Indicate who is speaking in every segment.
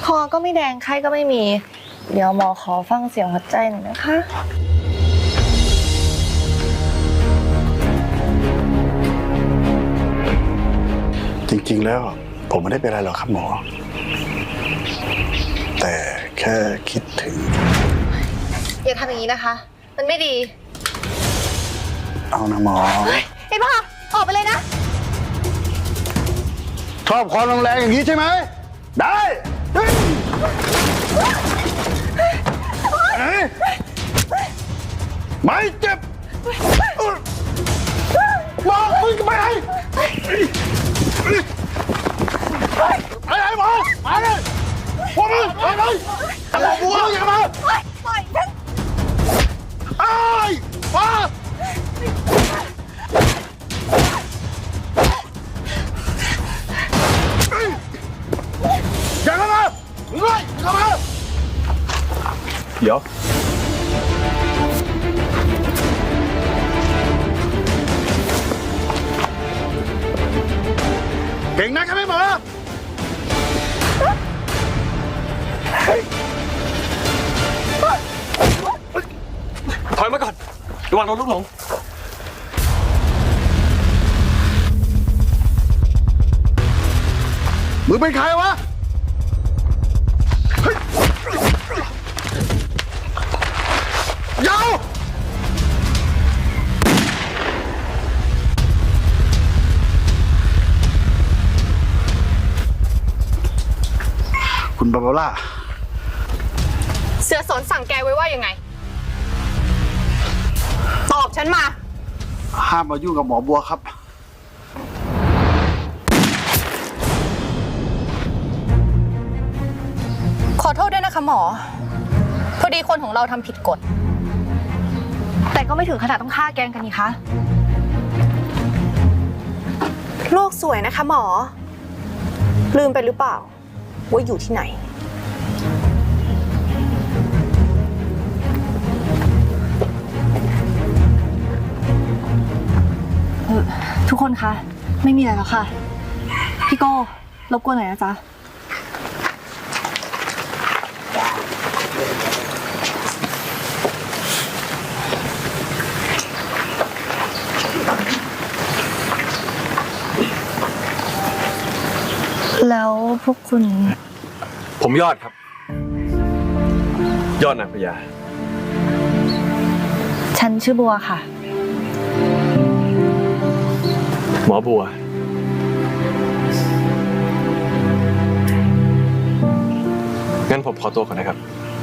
Speaker 1: คอก็ไม่แดงไข้ก็ไม่มีเดี๋ยวหมอขอฟังเสียงหัวใจหน่อยนะคะ
Speaker 2: จริงๆแล้วผมไม่ได้เป็นอะไรหรอกครับหมอแต่แค่คิดถึง
Speaker 1: อย่าทำอย่างนี้นะคะมันไม่ดี
Speaker 2: เอานะหมอ
Speaker 1: ไอ้บ้าออกไปเลยนะ
Speaker 2: ชอบความแรงๆอย่างนี้ใช่ไหมได้ไม่เจ็บบอกมึงจะไปไหนไปไหนหมอไปเลยพวกมึงไปเลยหมอบัวอย่ามาปล่อยฉันไอ้มาอย่าเข้ามาเฮ้ยเข้ามาเดี๋ยวเก่งนักใช่ไหมหมอ
Speaker 3: ถอยมาก่อนระวังโดนลูกหลง
Speaker 2: มึงเป็นใครวะยาวคุณบาบาร่า
Speaker 4: เสือสนสั่งแกไว้ว่ายังไงตอบฉันมา
Speaker 2: ห้ามมายุ่งกับหมอบัวครับ
Speaker 4: ขอโทษด้วยนะคะหมอพอดีคนของเราทำผิดกฎ
Speaker 1: แต่ก็ไม่ถึงขนาดต้องฆ่าแกงกันนี่คะ
Speaker 4: โลกสวยนะคะหมอลืมไปหรือเปล่าว่าอยู่ที่ไหน
Speaker 1: ทุกคนคะไม่มีอะไรแล้วค่ะพี่โก้รบกวนหน่อยนะจ๊ะแล้วพวกคุณ
Speaker 3: ผมยอดครับยอดนางพญา
Speaker 1: ฉันชื่อบัวค่ะ
Speaker 3: หมอบัวงั้นผมขอตัวก่อนนะครับ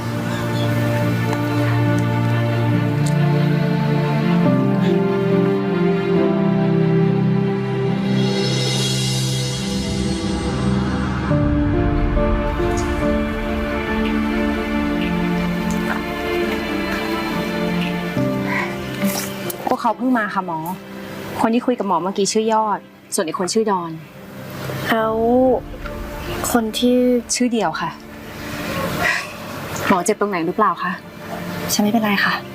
Speaker 5: พวกเขาเพิ่งมาค่ะหมอคนที่คุยกับหมอเมื่อกี้ชื่อยอดส่วนอีกคนชื่อดอน
Speaker 1: แล้วคนที่
Speaker 5: ชื่อเดียวค่ะหมอเจ็บตรงไหนหรือเปล่าคะ
Speaker 1: ฉันไม่เป็นไรค่ะ